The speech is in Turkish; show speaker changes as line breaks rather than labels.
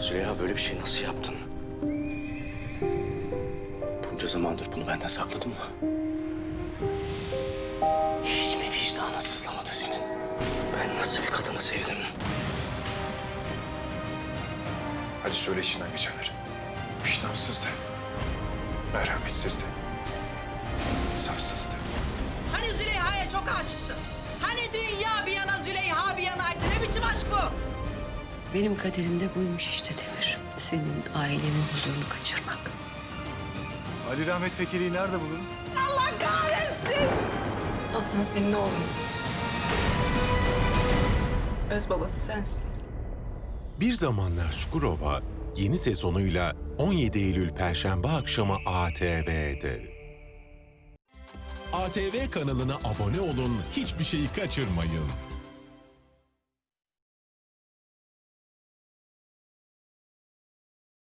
Züleyha böyle bir şey nasıl yaptın? Bunca zamandır bunu benden sakladın mı? Hiç mi vicdanın sızlamadı senin? Ben nasıl bir kadını sevdim?
Hadi söyle içinden geçenleri. Vicdansız de. Merhametsiz de. İnsafsız de.
Hani Züleyha'ya çok aşıktın? Hani dünya bir yana Züleyha bir yanaydı? Ne biçim aşk bu?
Benim kaderim de buymuş işte Demir. Senin ailenin huzurunu kaçırmak.
Ali Rahmet Vekili'yi nerede buluruz?
Adnan senin oğlun. Öz babası sensin.
Bir Zamanlar Çukurova yeni sezonuyla 17 Eylül Perşembe akşamı ATV'de. ATV kanalına abone olun, hiçbir şeyi kaçırmayın.